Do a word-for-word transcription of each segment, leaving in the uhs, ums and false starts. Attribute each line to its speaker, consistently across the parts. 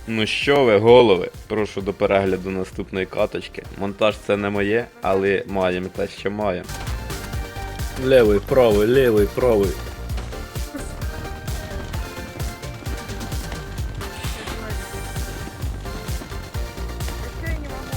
Speaker 1: Ну що ви, голови? Прошу до перегляду наступної каточки. Монтаж це не моє, але маємо те, що маємо. Левий, правий, левий, правий.
Speaker 2: Что я не могу?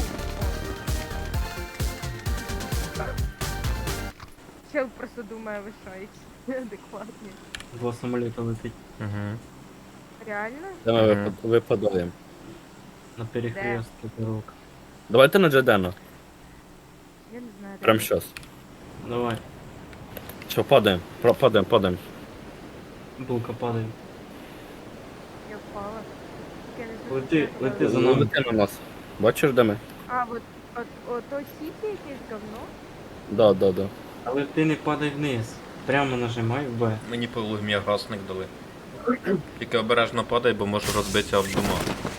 Speaker 2: Чел просто думаю, вы шарите. Адекватнее.
Speaker 3: Два самоліта летить
Speaker 1: Угу.
Speaker 2: Реально?
Speaker 1: Де ми
Speaker 4: Мгм.
Speaker 1: випад- випадаємо?
Speaker 3: на перехрестку дорог.
Speaker 1: Давайте на Джедена.
Speaker 2: Я не знаю.
Speaker 1: Прям
Speaker 2: реально.
Speaker 1: щас.
Speaker 3: Давай,
Speaker 1: Що, падаємо? Про- Падаємо, падаємо.
Speaker 3: булка падає.
Speaker 2: Я впала. Я не знаю,
Speaker 3: Лети,
Speaker 2: что я
Speaker 3: лети за
Speaker 2: делаю.
Speaker 3: нами.
Speaker 1: Лети на нас. Бачиш, де ми?
Speaker 2: А, вот, вот, вот то сити якесь говно?
Speaker 1: Да, да, да.
Speaker 3: Але ти не падай вниз. Прямо нажимай в Б.
Speaker 4: Мені по лугмі гасник дали. Тільки обережно падай, бо можу розбитися об дома.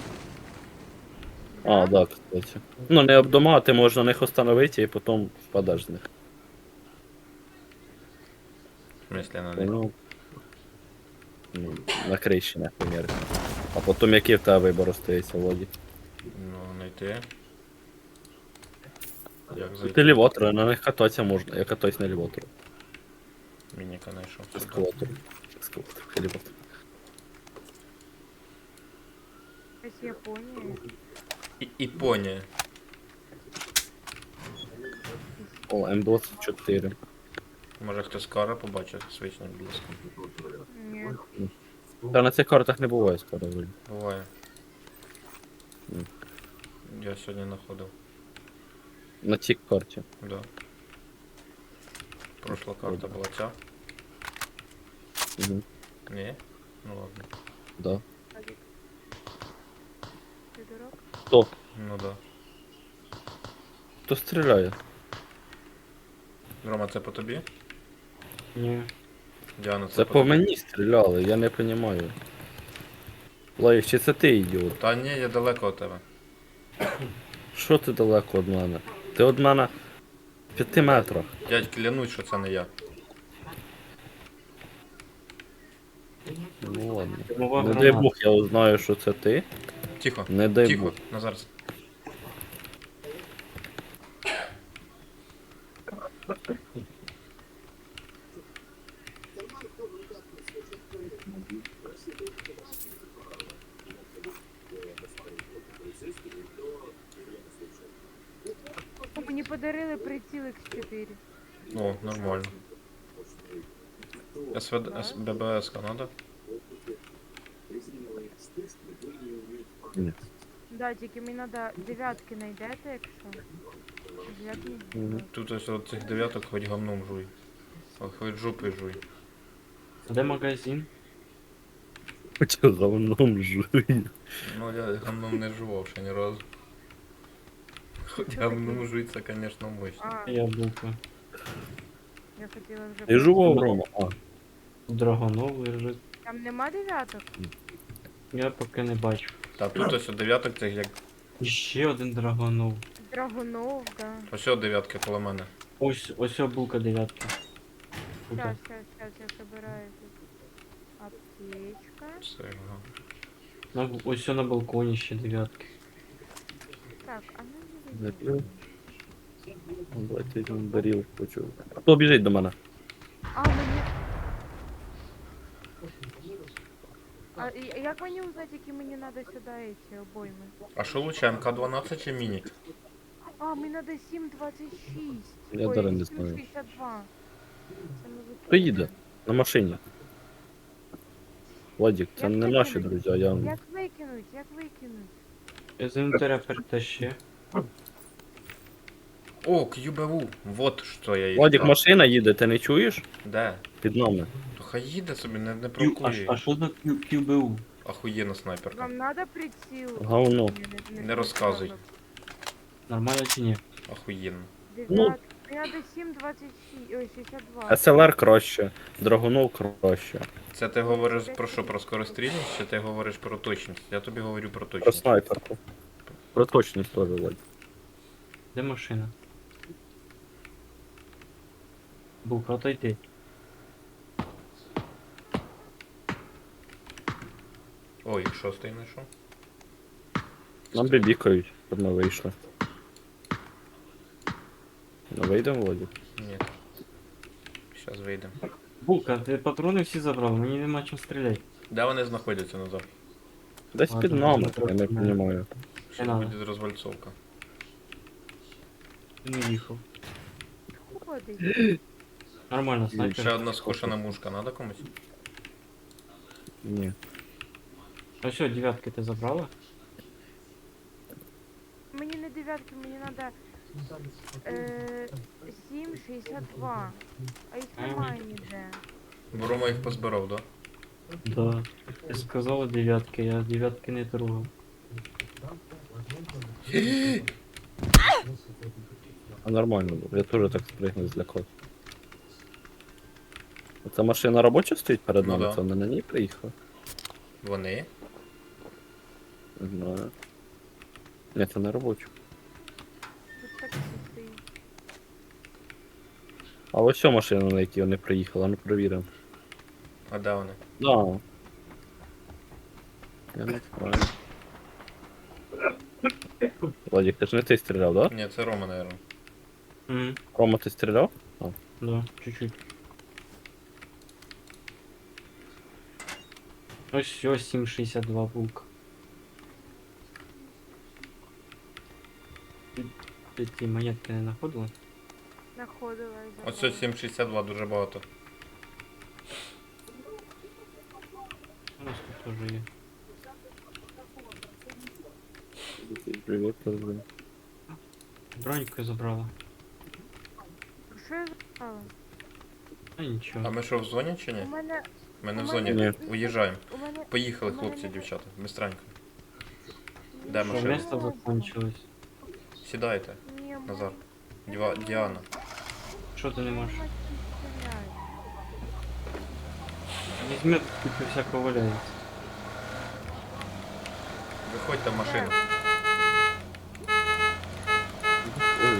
Speaker 1: А, да, кстати. Ну, не об дома, ти можеш на них остановити і потім впадеш з них.
Speaker 4: В смислі на них.
Speaker 1: Ну, ну, на криші, наприклад. А потім який в тебе вибір остається, Воді?
Speaker 4: Ну, знайти. Як
Speaker 1: Ти
Speaker 4: зайти?
Speaker 1: лівотери, на них кататися можна. Я катаюсь на лівотеру.
Speaker 4: Мініка знайшов.
Speaker 1: Ескалатор. Ескалатор, лівотер.
Speaker 2: С Японии.
Speaker 4: І, Японія.
Speaker 1: О, М двадцять чотири.
Speaker 4: Може хтось кара побачив свічним блиском.
Speaker 2: Нет.
Speaker 1: Та на цих картах не буває скоро. Волі.
Speaker 4: Буває.
Speaker 1: М.
Speaker 4: Я сьогодні знаходив.
Speaker 1: На цій карті.
Speaker 4: Да. Прошла карта була ця.
Speaker 1: Угу.
Speaker 4: Ні? Ну ладно.
Speaker 1: Да.
Speaker 2: Ты дурак?
Speaker 1: Хто?
Speaker 4: Ну да.
Speaker 1: Хто стріляє?
Speaker 4: Рома, це по тобі?
Speaker 3: Ні.
Speaker 4: Діана, це,
Speaker 1: Це
Speaker 4: по
Speaker 1: по
Speaker 4: тобі?
Speaker 1: мені стріляли, я не розумію. Лайк, чи це ти ідіот?
Speaker 4: Та ні, я далеко від тебе.
Speaker 1: Що ти далеко від мене? Ти від мене в п'яти метрах.
Speaker 4: Дядь, клянусь, що це не я.
Speaker 1: Ну ладно.
Speaker 3: Димова
Speaker 1: Не дай
Speaker 3: граната.
Speaker 1: Бог, я узнаю, що це ти.
Speaker 4: Тихо.
Speaker 1: Не дай
Speaker 4: Тихо,
Speaker 1: Бог.
Speaker 4: Назар.
Speaker 2: О, мені подарили приціл ікс чотири.
Speaker 4: О, нормально. СВД, ББС надо?
Speaker 1: Ні.
Speaker 2: Да, тільки мені треба дев'ятки знайдете, якщо. Дев'ятки не
Speaker 1: Мгм.
Speaker 2: знаю.
Speaker 4: Тут ось от цих дев'яток хоч говном жуй. О, хоч жопи жуй.
Speaker 3: А де магазин?
Speaker 1: Хоча говном жує.
Speaker 4: Ну я говном не жував ще ні разу. Хоч говном жуй, це, конечно, мощно.
Speaker 2: А,
Speaker 3: Я булка.
Speaker 2: я хотіла вже...
Speaker 1: Ти жував, Рома? А,
Speaker 3: Драгонов лежить.
Speaker 2: Там нема дев'яток?
Speaker 3: Я поки не бачу.
Speaker 4: Та тут ось от дев'яток цих як.
Speaker 3: І ще один драгонов.
Speaker 2: Драгунов, да.
Speaker 4: Ось от дев'ятки коло мене.
Speaker 3: Ось, ось о булка дев'ятка. Тут.
Speaker 2: Сейчас, сейчас, сейчас, я собираю тут. Аптечка.
Speaker 4: Все, ага.
Speaker 3: На, ось о на балконі ще дев'ятки.
Speaker 2: Так, а ну не
Speaker 1: не
Speaker 2: видно.
Speaker 1: пив. Давайте йдемо баріл хочу. Хто біжить до мене?
Speaker 2: А, мені... А і- як мені узнати, які мені треба сюди ці обойми?
Speaker 4: А що лучше, ем ка дванадцять чи мінік?
Speaker 2: А, мені треба сім двадцять шість.
Speaker 1: Я
Speaker 2: Ой,
Speaker 1: даже не
Speaker 2: сім
Speaker 1: знаю.
Speaker 2: шістдесят два. Це ми викинули.
Speaker 1: Хто їде? На машині. Владик, це
Speaker 2: Як
Speaker 1: не
Speaker 2: викинуть?
Speaker 1: наші друзі, а я...
Speaker 2: Як викинуть? Як викинуть?
Speaker 3: З інвентаря перетащи.
Speaker 4: О, кью бе у. Вот що я їй
Speaker 1: Владик,
Speaker 4: сказав.
Speaker 1: машина їде, ти не чуєш?
Speaker 4: Де?
Speaker 1: Під нами.
Speaker 4: То хай їде собі, не, не
Speaker 3: Q, а, ш-
Speaker 4: провокує.
Speaker 3: а що за Q- кью бе у?
Speaker 4: Ахуєнна снайперка.
Speaker 2: Вам треба приціл?
Speaker 1: Говно.
Speaker 2: Ні,
Speaker 4: Не розказуй.
Speaker 3: Нормально чи ні?
Speaker 4: Ахуєнно.
Speaker 1: Ну.
Speaker 2: Дев'ят... Мені треба сім двадцять шість, ой, шістдесят два.
Speaker 1: ес ел ар краще, Драгунов краще.
Speaker 4: Це ти говориш про що, про скорострільність, чи ти говориш про точність? Я тобі говорю про
Speaker 1: Про
Speaker 4: точність.
Speaker 1: снайперку. Про точність теж, Владик.
Speaker 3: Де машина? Булка, отойди.
Speaker 4: Ой, шостий знайшов.
Speaker 1: Нам бібікають, щоб ми вийшли. Ну вийдемо, Владик?
Speaker 4: Ні. Щас вийдемо.
Speaker 3: Булка, ти патрони всі забрав, мені нема чим стріляти.
Speaker 4: Де вони знаходяться назад?
Speaker 1: Десь
Speaker 3: Ладно,
Speaker 1: під нами,
Speaker 3: ми
Speaker 1: я не
Speaker 3: трохи
Speaker 1: розумію.
Speaker 4: Що
Speaker 3: Не надо.
Speaker 4: буде розвальцовка?
Speaker 3: Ти не їхав.
Speaker 2: Ходить.
Speaker 3: Нормально,
Speaker 4: Ще
Speaker 3: снайпер.
Speaker 4: одна скошена мушка, надо комусь?
Speaker 1: Ні.
Speaker 3: А що, дев'ятки ти забрала?
Speaker 2: Мені не дев'ятки, мені треба е, сім шістдесят два. А їх немає ніде.
Speaker 4: Бо Рома їх позбирав, да?
Speaker 3: Да. Ти сказала дев'ятки, я дев'ятки не трогав.
Speaker 1: А нормально було, я теж так спригнув злякав. Оця машина робоча стоїть перед
Speaker 4: Ну
Speaker 1: нами,
Speaker 4: да.
Speaker 1: це вони на ній приїхали?
Speaker 4: Вони?
Speaker 1: Не знаю. Ні, це не робоча.
Speaker 2: Тут таксі стоїть.
Speaker 1: А ось ця машина, на якій вони приїхали, ну перевіримо.
Speaker 4: А де вони?
Speaker 1: Да. Я не знаю. Владик, ти ж не ти стріляв, да?
Speaker 4: Ні, це Рома, наверное.
Speaker 3: Мгм.
Speaker 1: Рома, ти стріляв?
Speaker 3: Да, чуть-чуть. Ось все, сім шістдесят два булка. Ти, ти ті монетки не знаходила?
Speaker 2: Находила і
Speaker 4: Ось
Speaker 2: забрала.
Speaker 4: сім шістдесят два дуже багато.
Speaker 3: У нас тут теж є.
Speaker 1: Привіт, Розбин.
Speaker 3: Броньку забрала.
Speaker 2: Що я забрала?
Speaker 3: А нічого.
Speaker 4: А ми що, в зоні чи
Speaker 2: У
Speaker 4: ні?
Speaker 2: мене,
Speaker 4: Ми не в
Speaker 2: у
Speaker 4: зоні,
Speaker 1: Ні.
Speaker 4: уїжджаємо.
Speaker 2: у мене...
Speaker 4: Поїхали,
Speaker 2: У мене
Speaker 4: хлопці,
Speaker 2: не-
Speaker 4: дівчата, бистренько.
Speaker 2: Ні,
Speaker 4: Де
Speaker 3: Що,
Speaker 4: машина?
Speaker 3: місто закончилось?
Speaker 4: Сідайте,
Speaker 2: Ні, у мене-
Speaker 4: Назар. Діва... Діана.
Speaker 3: Що ти не можеш?
Speaker 2: Нема чим стріляти.
Speaker 3: Візьми, тут всякого валяється.
Speaker 4: Виходьте в машину.
Speaker 1: Ой,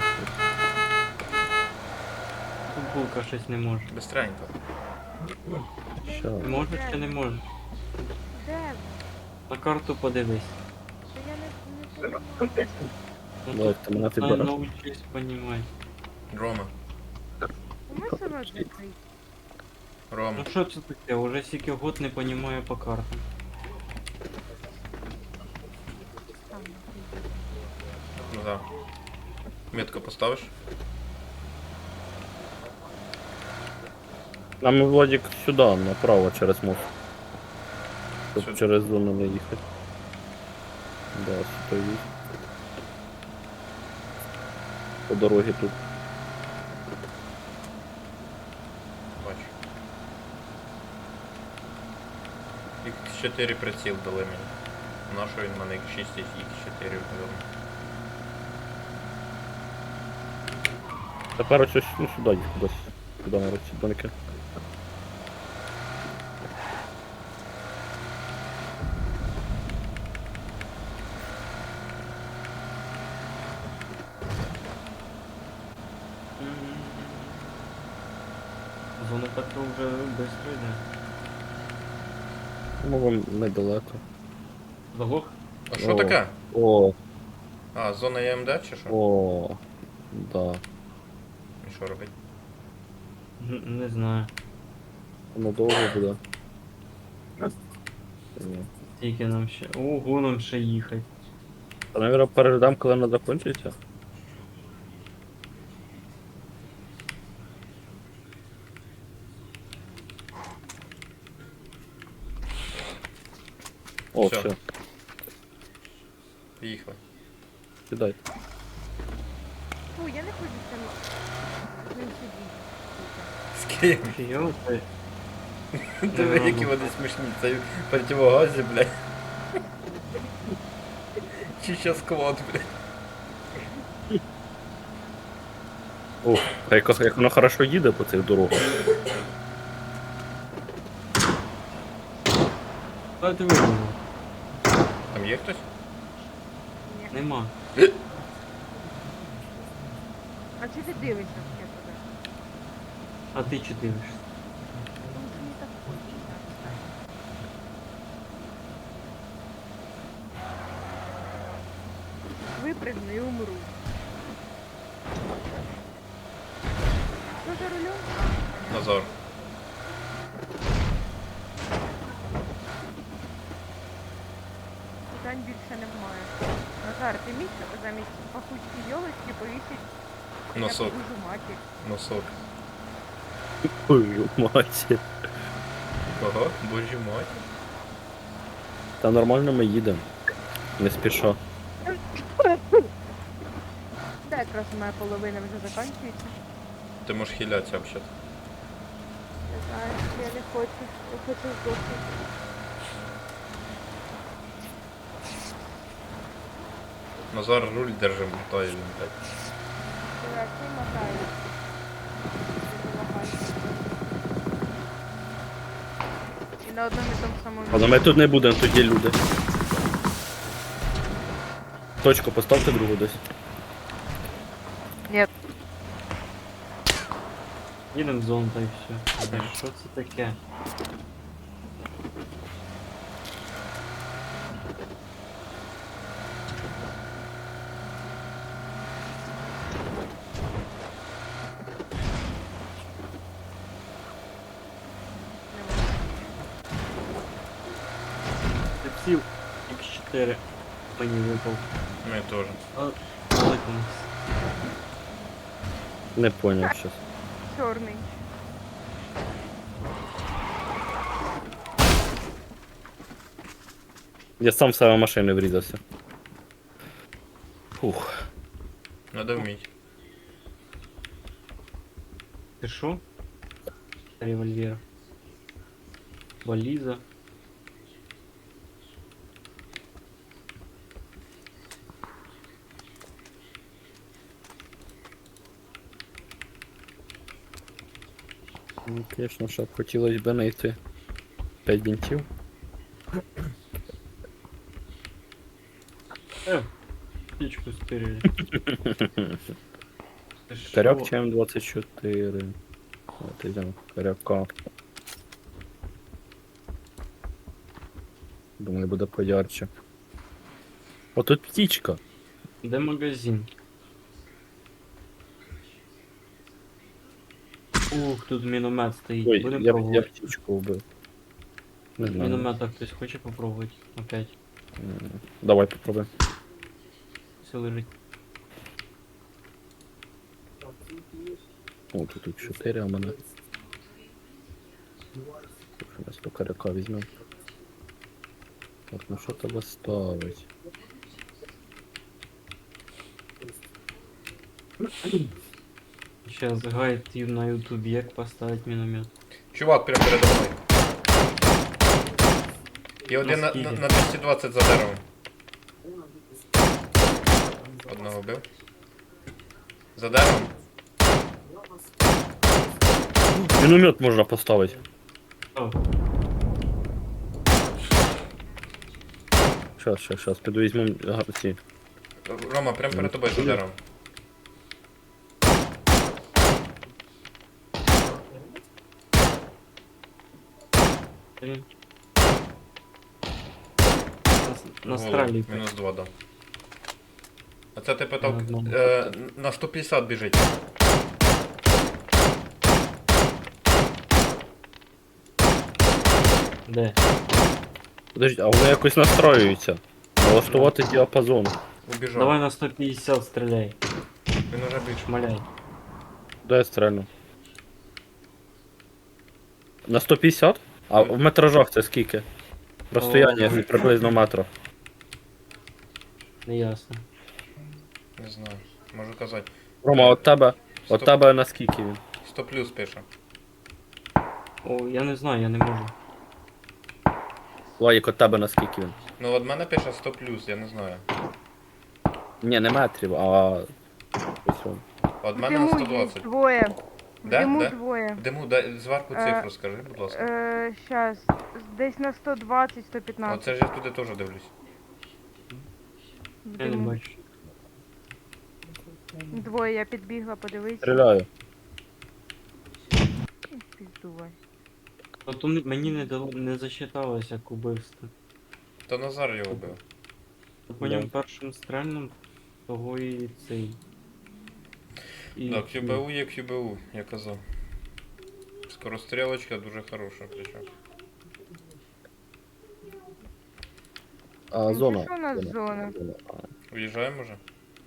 Speaker 3: Тут булка щось не може.
Speaker 4: Бистренько.
Speaker 1: що?
Speaker 3: Ти можеш чи не можеш?
Speaker 2: Де ви?
Speaker 3: На карту подивись.
Speaker 2: Та я не, не розумію.
Speaker 3: Ну,
Speaker 1: Владик, ти мене
Speaker 3: тут на-
Speaker 1: підбереш?
Speaker 3: научись понімати.
Speaker 4: Рома.
Speaker 2: У мене саме відкрить.
Speaker 4: Рома.
Speaker 3: Ну що це таке? Уже стільки год не понімаю по картам.
Speaker 2: Там,
Speaker 4: Назар. Метку поставиш?
Speaker 1: Нам Владик сюди, направо, через мост. Щоб
Speaker 4: Сюди.
Speaker 1: через зону не їхати. Да, стоїть. По дорозі тут.
Speaker 4: Бачу. ікс чотири приціл дали мені. Нашої в мене ікс шість, ікс чотири вдали.
Speaker 1: Тепер ось ось, ну сюди їх кудись. Сюди на ці домики.
Speaker 3: Зона патру вже швидко йде.
Speaker 1: Ну, вам недалеко.
Speaker 3: Заглох?
Speaker 4: А що
Speaker 1: О.
Speaker 4: таке?
Speaker 1: О,
Speaker 4: А, зона ЄМД чи що?
Speaker 1: о, да.
Speaker 4: І що робить?
Speaker 3: Н- Не знаю.
Speaker 1: Воно довго буде. Ні.
Speaker 3: Тільки нам ще. Ого, нам ще їхати.
Speaker 1: Та, наверное, передам, коли вона закінчиться. О,
Speaker 4: Всё.
Speaker 1: все,
Speaker 4: Поїхали.
Speaker 1: кидайте.
Speaker 2: Фу, я не хочу там з ним сидіти.
Speaker 4: З ким?
Speaker 3: Фіо, ти.
Speaker 4: Диви, які вони смішні. Це противогазі, блядь. Чи ще сквот, блядь.
Speaker 1: Ух, а як, як воно хорошо їде по цих дорогах.
Speaker 3: Та ти вигнав.
Speaker 4: Там є хтось?
Speaker 2: Ні.
Speaker 3: Нема.
Speaker 2: А чи ти дивишся в тебе?
Speaker 3: А ти чи дивишся?
Speaker 2: Тому що мені так хочеться. випригну і умру. Хто за рулем?
Speaker 4: Назар.
Speaker 2: Питань більше немає. Назар, ти міг замість пахучої йолочки повісить
Speaker 4: Носок.
Speaker 2: дуже матір.
Speaker 4: Носок.
Speaker 1: Ой, мать.
Speaker 4: Кого? Божі мать.
Speaker 1: Та нормально ми їдемо. Не спіша.
Speaker 2: Та якраз моя половина вже закінчується.
Speaker 4: Ти можеш хилятися взагалі.
Speaker 2: Не знаю, я не хочу. Я хочу здохнути.
Speaker 4: Назар руль держи, мотає він, блядь.
Speaker 2: Я цей мотаю. І на одному і тому самому
Speaker 1: Але ми тут не будемо, тут є люди. Точку поставте другу десь.
Speaker 2: Ні.
Speaker 3: Їдемо в зону та й все. Та що це таке? Тепсів ікс чотири мені випав.
Speaker 4: Ми теж.
Speaker 3: А, великий.
Speaker 1: Не поняв щас.
Speaker 2: Чорний.
Speaker 1: Я сам в себе машини врізався. Фух.
Speaker 4: Надо вміть.
Speaker 3: Ти шо? Револьвер. Валіза.
Speaker 1: Ну, звісно, щоб хотілося б знайти п'ять бінтів.
Speaker 3: Е, птичку стирили. Ти шо?
Speaker 1: Коряк ЧМ двадцять чотири. От йдемо, коряка. Думаю, буде поярче. О, тут птічка.
Speaker 3: Де магазин? Ух, тут міномет стоїть.
Speaker 1: Ой,
Speaker 3: Будем
Speaker 1: я, я
Speaker 3: пробувати.
Speaker 1: птічку вбив. Не знаю.
Speaker 3: Міномета хтось хоче попробувати? Опять.
Speaker 1: М, Давай попробуємо.
Speaker 3: Все лежить.
Speaker 1: О, тут тут чотири, а мене. Зараз по коряка візьмемо. Так, ну що тебе ставить?
Speaker 3: Сейчас гайд ю- на ютубе, як поставить міномет.
Speaker 4: Чувак прям передо мною. І один на, на,
Speaker 3: скільки?
Speaker 4: на двісті двадцять за деревом. Одного вбив. За деревом.
Speaker 1: Міномет можна поставити.
Speaker 3: О,
Speaker 1: Щас, щас, щас, піду візьмемо га- ці.
Speaker 4: Рома, прям перед тобою за деревом.
Speaker 3: блін. Нас-
Speaker 4: Голову.
Speaker 3: Настралюй.
Speaker 4: Мінус два дав. А це ти питав,
Speaker 3: На одному.
Speaker 4: е, на сто п'ятдесят біжить.
Speaker 3: Де?
Speaker 1: Подожди, а вони якось настроюються. Налаштувати діапазон.
Speaker 4: Убіжав.
Speaker 3: Давай на сто п'ятдесят стріляй.
Speaker 4: Він уже більш.
Speaker 3: Шмаляй.
Speaker 1: Де я стрельну? На сто п'ятдесят? А в метражах це скільки? Розстояння
Speaker 3: О.
Speaker 1: приблизно метра.
Speaker 3: Не ясно.
Speaker 4: Не знаю. Можу казати.
Speaker 1: Рома, от тебе. От
Speaker 4: Сто-
Speaker 1: тебе наскільки він?
Speaker 4: сто плюс пише.
Speaker 3: О, я не знаю, я не можу.
Speaker 1: Лайк, от тебе наскільки він?
Speaker 4: Ну от мене пише сто плюс, я не знаю.
Speaker 1: Ні, не метрів, а. Ось він.
Speaker 4: От мене на
Speaker 2: Диму
Speaker 4: сто
Speaker 2: є
Speaker 4: двадцять.
Speaker 2: двоє.
Speaker 4: Де?
Speaker 2: Диму
Speaker 4: Де?
Speaker 2: двоє.
Speaker 4: Диму, дай зверху
Speaker 2: Е,
Speaker 4: цифру скажи, будь ласка.
Speaker 2: Е, щас. Десь на сто двадцять сто п'ятнадцять.
Speaker 4: Оце ж я туди теж дивлюсь.
Speaker 3: Я не
Speaker 2: Диму.
Speaker 3: бачу.
Speaker 2: Двоє, я підбігла, подивись.
Speaker 1: Стріляю.
Speaker 2: Піздувай.
Speaker 3: От у м- мені не дало, не засчиталось як убивство.
Speaker 4: То Назар його вбив.
Speaker 3: По
Speaker 1: Да.
Speaker 3: ньому першим стрельним того і цей. І,
Speaker 4: Да, кю бе у є кю бе у, я казав. Скорострілочка дуже хороша, причому.
Speaker 2: Ну,
Speaker 5: А,
Speaker 2: це
Speaker 5: зона.
Speaker 2: що у нас зона?
Speaker 5: А,
Speaker 4: Уїжджаємо вже?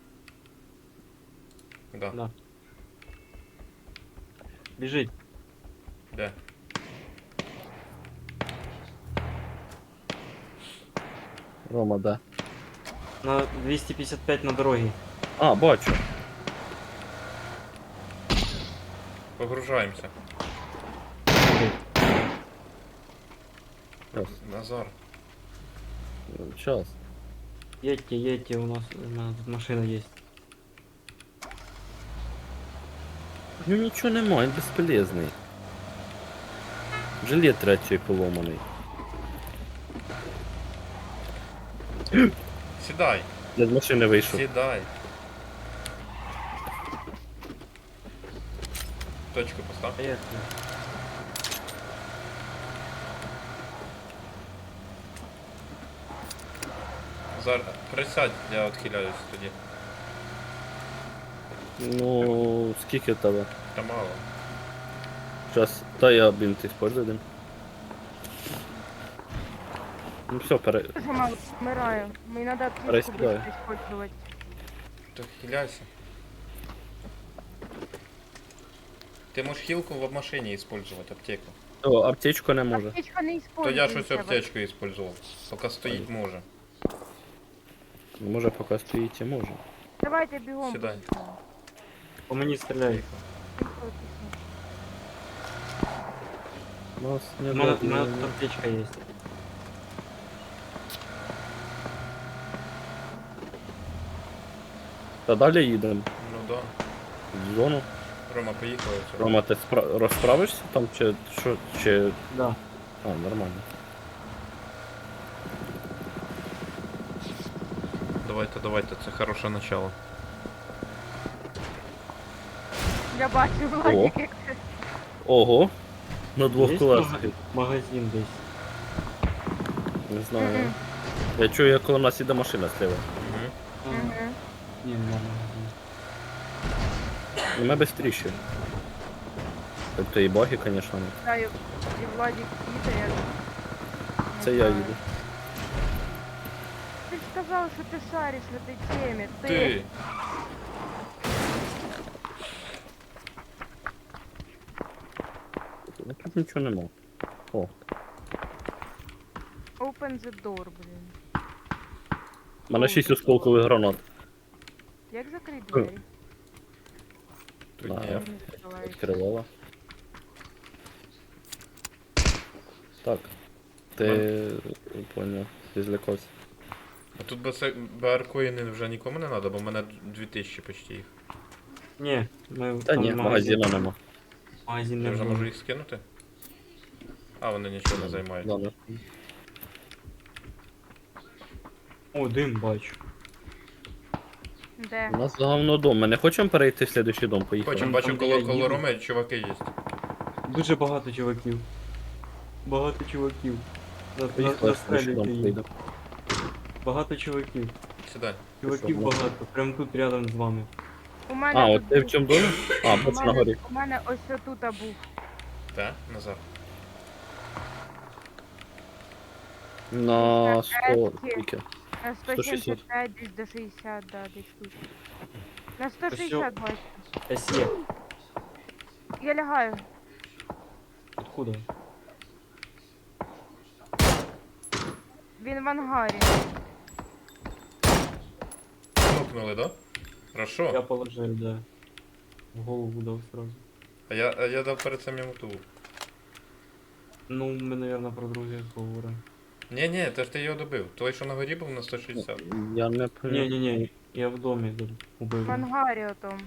Speaker 4: Да.
Speaker 3: Да. Біжить.
Speaker 4: Де?
Speaker 5: Рома, да.
Speaker 3: На двісті п'ятдесят п'ять на дорогі.
Speaker 5: А, бачу.
Speaker 4: Погружаємося.
Speaker 5: Щас.
Speaker 4: Назар.
Speaker 5: Сейчас.
Speaker 3: Едьте, едьте, у нас, у нас тут машина є.
Speaker 5: Ну нічого нема, він безполезний. Жилет третій поломаний.
Speaker 4: Сідай,
Speaker 5: Я з машини вийшов.
Speaker 4: сідай. Точку постав.
Speaker 3: Поехали.
Speaker 4: Назар, присядь, я відхиляюсь тоді.
Speaker 5: Ну, скільки в тебе?
Speaker 4: Та мало.
Speaker 5: Сейчас, та я бинт использую один. Ну все, пере...
Speaker 2: Дуже мало вмираю. Мені треба аптечку
Speaker 5: Пересідаю.
Speaker 2: быстро использовать.
Speaker 4: То хиляйся. Ти можеш хілку в машині использовать, аптеку.
Speaker 5: О, аптечку не може.
Speaker 2: Аптечка не
Speaker 4: То
Speaker 2: использується.
Speaker 4: я щось аптечку использував. Поки стоїть може.
Speaker 5: Ну, може поки стоїть і може.
Speaker 2: Давайте бігом.
Speaker 4: Сідай.
Speaker 2: поїхали.
Speaker 3: По мені стріляють.
Speaker 2: Поїхали, поїхали.
Speaker 5: Нас не
Speaker 3: У мене, у
Speaker 5: дадуть.
Speaker 3: мене тут аптечка є.
Speaker 5: Та далі їдемо.
Speaker 4: Ну да.
Speaker 5: В зону.
Speaker 4: Рома, поїхали. отсюда.
Speaker 5: Рома, ти спра... розправишся там чи що? Чи...
Speaker 3: Да.
Speaker 5: А, нормально.
Speaker 4: Давайте, давайте, це хороше начало.
Speaker 2: Я бачу, Владик, як це.
Speaker 5: Ого. На двох
Speaker 3: Є
Speaker 5: колесах.
Speaker 3: мага- магазин десь.
Speaker 5: Не знаю.
Speaker 2: Мгм.
Speaker 5: Я чую, як коло нас іде машина слева.
Speaker 4: Угу.
Speaker 3: А,
Speaker 2: Мгм.
Speaker 3: ні, нема магазину.
Speaker 5: Ну, ми быстріше. Тобто і баги, звісно.
Speaker 2: Знаю, і Владик їде, я...
Speaker 5: Це я їду.
Speaker 2: Ти ж сказав, що ти шариш в этой темі. Ти.
Speaker 4: Ти!
Speaker 5: Ну, тут нічого нема. О,
Speaker 2: Open the door, блін.
Speaker 5: у мене шість осколкових гранат.
Speaker 2: Як закрити двері?
Speaker 4: Тут
Speaker 5: Да.
Speaker 4: ні.
Speaker 2: Не відкривається.
Speaker 5: Відкривала. Так. Ти поняв, ти злякався.
Speaker 4: А тут БР-коїни вже нікому не треба, бо в мене дві тисячі почти їх.
Speaker 3: Ні, ми
Speaker 5: Та
Speaker 3: там
Speaker 5: ні, магазину нема.
Speaker 3: Магазин
Speaker 4: Я
Speaker 3: не
Speaker 4: вже
Speaker 3: було.
Speaker 4: можу їх скинути? А, вони нічого не займають.
Speaker 5: Ладно.
Speaker 3: О, дим бачу.
Speaker 2: Де?
Speaker 5: У нас говно дом. Ми не хочемо перейти в слідуючий дом, поїхали.
Speaker 4: Хочем,
Speaker 3: Там,
Speaker 4: бачу,
Speaker 3: де
Speaker 4: коло,
Speaker 3: я
Speaker 4: коло
Speaker 3: їду.
Speaker 4: Роми чуваки є.
Speaker 3: Дуже багато чуваків. Багато чуваків. На- на-
Speaker 5: Поїхали в слідуючий
Speaker 3: Настрелюйте
Speaker 5: дом,
Speaker 3: їх.
Speaker 5: поїдемо.
Speaker 3: Багато чуваків.
Speaker 4: Сідай.
Speaker 3: Чуваків
Speaker 5: що,
Speaker 3: багато. Прям тут рядом з вами.
Speaker 2: У мене
Speaker 5: А,
Speaker 2: тут
Speaker 5: от ти в
Speaker 2: був-
Speaker 5: чому домі? А,
Speaker 2: у
Speaker 5: бач на
Speaker 2: мене,
Speaker 5: горі.
Speaker 2: у мене ось тут був.
Speaker 4: Та? Назар.
Speaker 5: На сто,
Speaker 2: Ескі.
Speaker 5: скільки?
Speaker 2: На
Speaker 5: сто шістдесят.
Speaker 2: сто сімдесят п'ять, десь до шістдесят, да, десь тут. На сто шістдесят бачу.
Speaker 3: СЕ.
Speaker 2: Я лягаю.
Speaker 3: Откуда?
Speaker 2: Він в ангарі.
Speaker 4: Нокнули, да? Хорошо.
Speaker 3: Я положив, да. В голову дав сразу.
Speaker 4: А я, а я дав перед цим йому ту.
Speaker 3: Ну, ми, наверное, про друге говоримо.
Speaker 4: Ні, ні, це ж ти його добив. Той, що на горі був на сто шістдесят.
Speaker 5: Я не
Speaker 3: Ні,
Speaker 5: пам'ятаю.
Speaker 3: ні, ні, я в домі доб- убив.
Speaker 2: В ангарі отом.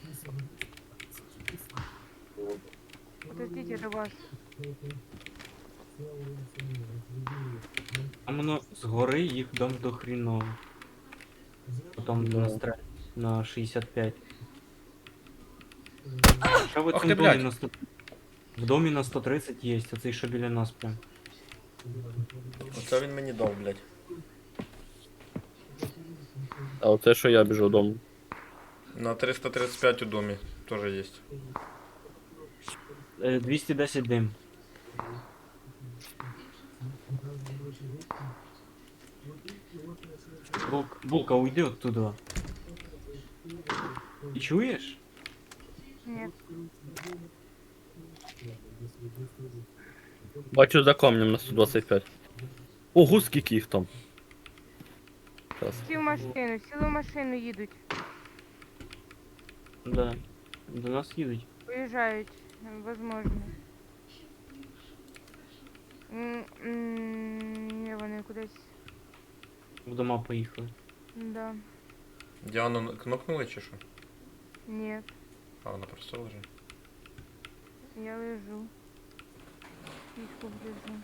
Speaker 2: Подождите, до вас.
Speaker 3: А воно згори їх дам до хріна. Потім
Speaker 5: Да.
Speaker 3: на стрель на шістдесят п'ять. Ще в
Speaker 4: Ах
Speaker 3: цьому
Speaker 4: ти,
Speaker 3: домі
Speaker 4: блядь.
Speaker 3: на сто... В домі на сто тридцять є, оцей що біля нас прям.
Speaker 4: Оце він мені дав, блядь.
Speaker 5: А оце що я біжу дому.
Speaker 4: На триста тридцать пять у домі теж є.
Speaker 3: Е, двісті десять дим. Булк, булка, уйди оттуда. Ти чуєш?
Speaker 2: Ні.
Speaker 5: Бачу за камнем на сто двадцять п'ять. Ого, скільки їх там. Зараз.
Speaker 2: Сі в машину, сіли в машину їдуть.
Speaker 3: Да. До нас їдуть.
Speaker 2: Уїжджають, возможно. М, м, Ні, вони кудись.
Speaker 3: В дома поїхали.
Speaker 2: Да.
Speaker 4: Діану кнопнули чи що?
Speaker 2: Ні,
Speaker 4: А, вона просто лежить.
Speaker 2: я лежу. Пішку лежу.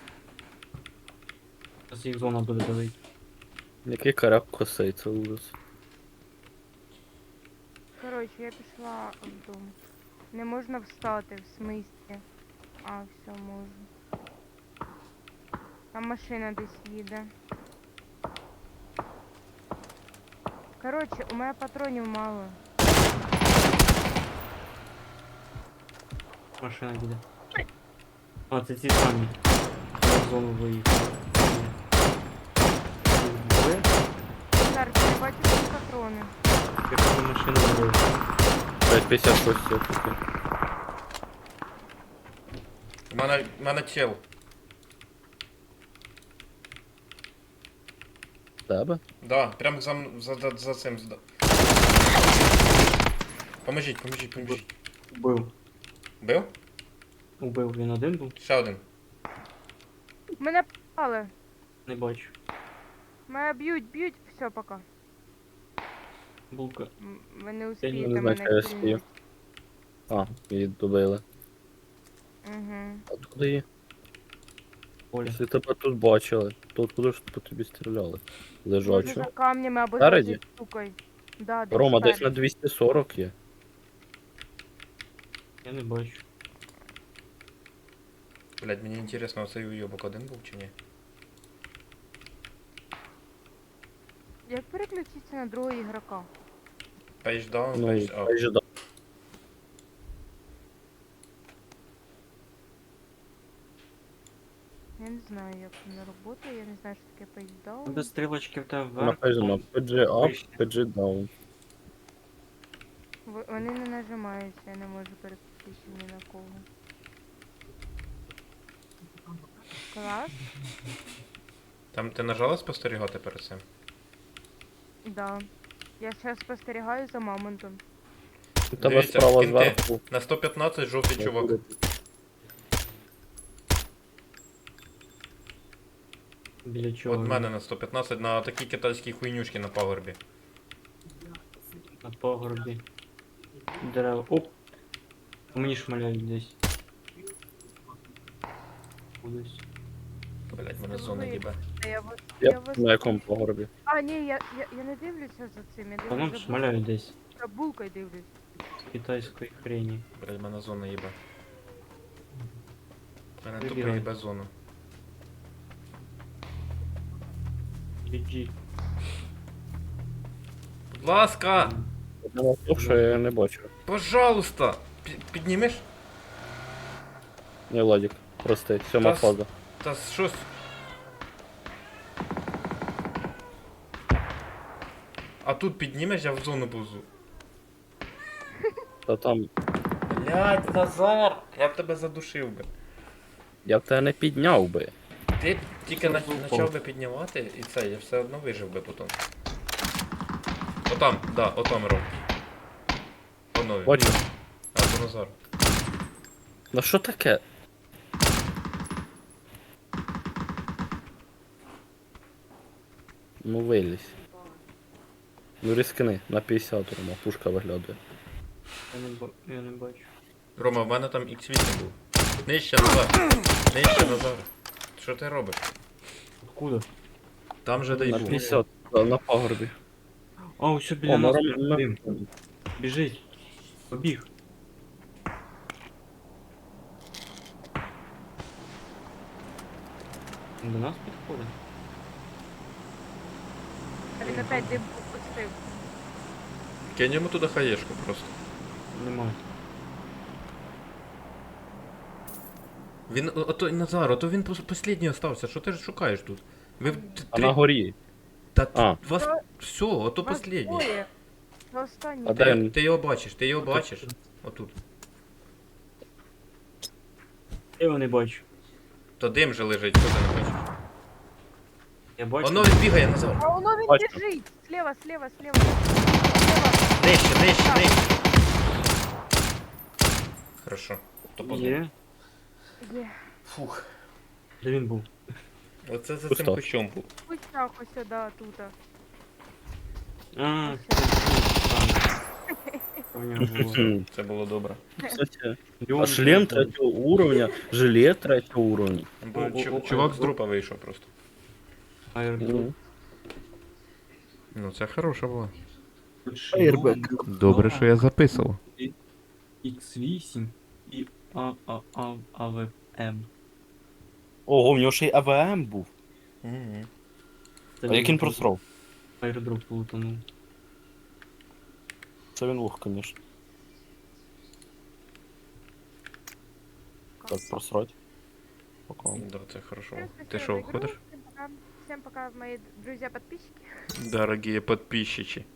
Speaker 3: Зараз їх зона буде давити.
Speaker 5: Який карак косий, це ужас.
Speaker 2: Коротше, я пішла в дом. Не можна встати, в смислі. А, все, можна. Там машина десь їде. Коротше, у мене патронів мало.
Speaker 3: Машина їде. А, це ці самі. Я в зону виїхав. Двоє?
Speaker 2: Сар, ти не бачиш ці патрони?
Speaker 3: Я кажу, машину вирив.
Speaker 5: п'ять п'ятдесят шість все-таки.
Speaker 4: У мене, у мене тіл.
Speaker 5: Тебе?
Speaker 4: Да, прям за, м- за, за, за цим. зда- Поможіть, поможіть, поможіть.
Speaker 3: Убив.
Speaker 4: Бив?
Speaker 3: Убив. Він один був?
Speaker 4: Ще один.
Speaker 2: Мене попали.
Speaker 3: Не бачу.
Speaker 2: Мене б'ють, б'ють. Все, пока.
Speaker 3: Булка.
Speaker 2: М, Ви не
Speaker 5: не
Speaker 2: успієте
Speaker 5: знаю,
Speaker 2: мене
Speaker 5: що я
Speaker 2: кільнути.
Speaker 5: стою. А, її добили.
Speaker 2: Угу.
Speaker 5: Откуда її?
Speaker 3: Оля.
Speaker 5: Якщо тебе тут бачили, то откуда ж по тобі стріляли?
Speaker 2: Може за
Speaker 5: Лежачу.
Speaker 2: камнями або
Speaker 5: Спереді?
Speaker 2: за штукою. Да, десь
Speaker 5: Рома, десь на
Speaker 2: спереді.
Speaker 5: двісті сорок є.
Speaker 3: Я не бачу.
Speaker 4: Блять, мені інтересно, оцей уйобок один був чи ні?
Speaker 2: Як переключитися на другого ігрока?
Speaker 4: Page down,
Speaker 5: Ну,
Speaker 4: page up.
Speaker 5: хай же да.
Speaker 2: Я не знаю, як воно працює, я не знаю, що таке пейсдаун.
Speaker 3: Без стрілочки в тебе вверх.
Speaker 5: Написано пі джі up,
Speaker 3: вище.
Speaker 5: пі джі down.
Speaker 2: В- Вони не нажимаються, я не можу переключитися ні на кого. Клас?
Speaker 4: Там ти нажала спостерігати перед цим?
Speaker 2: Да. Я зараз спостерігаю за мамонтом.
Speaker 5: У тебе
Speaker 4: Дивіться,
Speaker 5: справа
Speaker 4: кінти.
Speaker 5: зверху.
Speaker 4: На сто п'ятнадцять жовтий чувак.
Speaker 3: Біля чого?
Speaker 4: От в мене на сто п'ятнадцять на такій китайській хуйнюшки на пагорбі.
Speaker 3: На погорбі. Дерева. Оп! По мені шмаляють десь. Кудись.
Speaker 4: Блять, мене зона їбе.
Speaker 2: Та я вас, я
Speaker 5: Я
Speaker 2: вас...
Speaker 5: на якому погорбі.
Speaker 2: А, ні, я, я, я не дивлюся за цим, я
Speaker 3: Та нам
Speaker 2: дивлюся за
Speaker 3: шмаляють десь.
Speaker 2: за булкою дивлюсь.
Speaker 3: З китайської хрені.
Speaker 4: Блять, мене зона їбе. Мене тупо
Speaker 3: Вибігай.
Speaker 4: їбе зона.
Speaker 3: джі джі.
Speaker 4: Будь ласка!
Speaker 5: Одного того, що я не бачу.
Speaker 4: Пожалуйста! Пі- Піднімеш?
Speaker 5: Не, Владик, прости, сьома
Speaker 4: Та с-
Speaker 5: фаза.
Speaker 4: Та щось. А тут піднімеш, я в зону повзу.
Speaker 5: Та там,
Speaker 4: Блять, Назар! Я б тебе задушив би.
Speaker 5: я б тебе не підняв би.
Speaker 4: Ти тільки на-
Speaker 3: Упав.
Speaker 4: почав би піднімати, і це, я все одно вижив би потім. Отам, да, отам роб. Онові.
Speaker 5: Бачу.
Speaker 4: А, це Назар.
Speaker 5: Ну що таке? Ну вилізь. Ну рискни, на п'ятдесят Рома, пушка виглядає.
Speaker 3: Я не, ба- я не бачу.
Speaker 4: Рома, в мене там ікс вісім був. Нижче, Назар. Нижче, Назар. Що ти робиш?
Speaker 3: Откуда?
Speaker 4: Там же дай
Speaker 5: На
Speaker 4: був.
Speaker 5: п'ятдесят, да, на пагорбі.
Speaker 3: А, ось біля
Speaker 5: О,
Speaker 3: нас.
Speaker 5: Рома, на-
Speaker 3: Дим. Біжить. Побіг. Він до нас підходить.
Speaker 2: А він опять дим пустив. запустив.
Speaker 4: Кинь йому туди хаєшку просто.
Speaker 3: Нема.
Speaker 4: Він, о- ото Назар, ото він пос- послідній остався, що ти ж шукаєш тут? Ви в т-
Speaker 5: А
Speaker 4: три...
Speaker 5: на горі.
Speaker 4: Та т-
Speaker 5: А.
Speaker 4: вас...
Speaker 2: Та-
Speaker 4: Все, ото
Speaker 2: Вас
Speaker 4: послідній.
Speaker 2: двоє. Це останній.
Speaker 5: А де
Speaker 4: Ти,
Speaker 5: він?
Speaker 4: ти його бачиш, ти його бачиш. Отут.
Speaker 3: Я його не бачу.
Speaker 4: То дим же лежить, що ти не бачиш?
Speaker 3: Я бачу.
Speaker 4: Воно він бігає, Назар.
Speaker 2: А воно він
Speaker 5: Бачу.
Speaker 2: біжить. Слева, слева, слева. Слева.
Speaker 4: Нижче, нижче, нижче. Хорошо. То позна.
Speaker 3: Є.
Speaker 2: Є.
Speaker 4: Фух.
Speaker 3: Де він був?
Speaker 4: Оце за
Speaker 5: Пусто.
Speaker 4: цим кущом був.
Speaker 2: Пустяк ось сюди, тут.
Speaker 3: А,
Speaker 2: Ось
Speaker 3: це
Speaker 2: сюди.
Speaker 3: в нього було.
Speaker 5: Хм.
Speaker 4: Це було добре.
Speaker 5: Кстати,
Speaker 3: Його
Speaker 5: а шлем
Speaker 3: не
Speaker 5: третього уровня, жилет третього уровня.
Speaker 4: Бо
Speaker 3: О, о,
Speaker 4: чу-
Speaker 3: о,
Speaker 4: чувак
Speaker 3: о,
Speaker 4: з
Speaker 3: о.
Speaker 4: трупа вийшов просто.
Speaker 3: Airdrop.
Speaker 4: Ну це хороша була.
Speaker 5: Airbag.
Speaker 4: Добре, що я записував.
Speaker 3: ікс вісім і А А А АВМ.
Speaker 5: Ого, в нього ще й АВМ був.
Speaker 4: Угу.
Speaker 3: Це
Speaker 5: А як він
Speaker 3: він
Speaker 5: просрав?
Speaker 3: Airdrop плутанув.
Speaker 5: Це він лох, конечно. Так, просрать. Пока.
Speaker 4: Да, це хорошо.
Speaker 2: Всем
Speaker 4: Ти
Speaker 2: спасибо
Speaker 4: що,
Speaker 2: за игру.
Speaker 4: ходиш?
Speaker 2: Всем пока. Всем пока, мои друзья-подписчики.
Speaker 4: Дорогие подписчики.